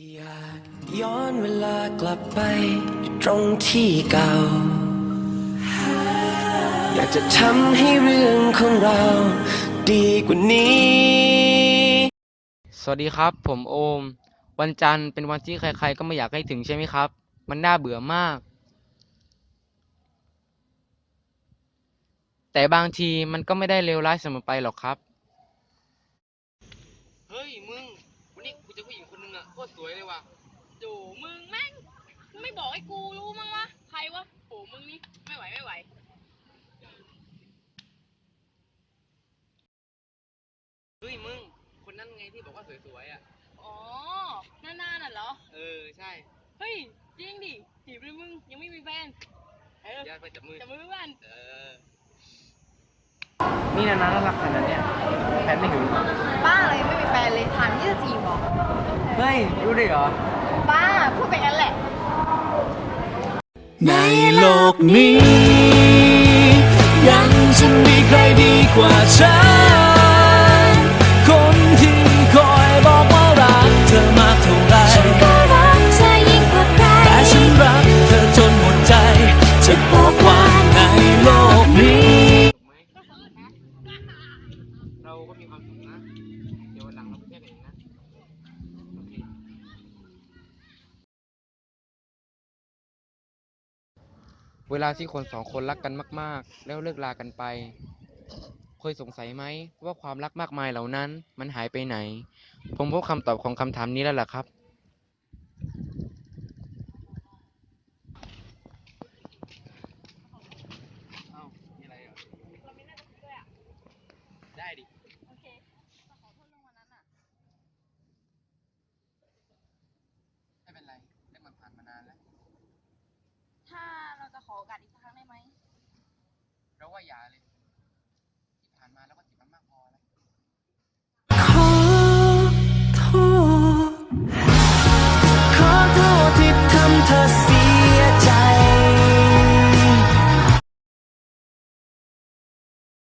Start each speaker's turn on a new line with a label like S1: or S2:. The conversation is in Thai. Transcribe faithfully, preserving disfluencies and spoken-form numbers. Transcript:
S1: อยากย้อนเวลากลับไปตรงที่เก่าอยากจะทำให้เรื่องของเราดีกว่านี้
S2: สวัสดีครับผมโอมวันจันทร์เป็นวันที่ใครๆก็ไม่อยากให้ถึงใช่ไหมครับมันน่าเบื่อมากแต่บางทีมันก็ไม่ได้เลวร้ายเสมอไปหรอกครับเฮ้ยมึงวันนี้กูเจอผู้หญิงคนนึงอะโคตรสวยเลยว่ะ
S3: โูมึงแม่งไม่บอกให้กูรู้มั้งวะใครวะโหมึงนี่ไม่ไหวไม่ไหว
S2: เฮ้ยมึงคนนั้นไงที่บอกว่าสวยๆอะ
S3: อ๋อหน้าๆน่ะเหรอ
S2: เออใช่
S3: เฮ้ยจริงดิจีบเลยมึงยังไม่มีแฟนเออ
S2: อย่าไปจับมือ
S3: จับมือเพื่อน
S2: เออนี่นะน่ารักขนาดเนี้ยแฟนไม่ถึง
S4: บ้าเลยไม่มีแฟนเลยถามที่จะจีบเหรอ
S2: เฮ้ยรู้ได้เหรอ
S4: บ้าพูดไปงั้นแหละ
S1: ในโลกนี้ยังจะมีใครดีกว่าฉันคนที่คอยบอกว่ารักเธอมากเท่าไรฉันก็รักเธอยิ่งกว่าใครแต่ฉันรักเธอจนหมดใจจะบอกว่าในโลกนี้
S2: เราก็มีความสุขนะเดี๋ยววันหลังเราไปเที่ยวกันอีกนะโอเคเวลาที่คนสองคนรักกันมากๆแล้วเลิกลากันไปเคยสงสัยไหมว่าความรักมากมายเหล่านั้นมันหายไปไหนผมพบคำตอบของคำถามนี้แล้วล่ะครับเอ้ามีอะไรอ่ะได้ดิ
S3: โอเคขอโทษเรื่องวันนั้นอ่ะ
S2: ไม่เป็นไรเรื่องมันผ่านมานานแล้ว
S3: ถ้าเราจะขอโอกาสอีกครั้งได้ไหม
S2: เราว่าอย่าเลย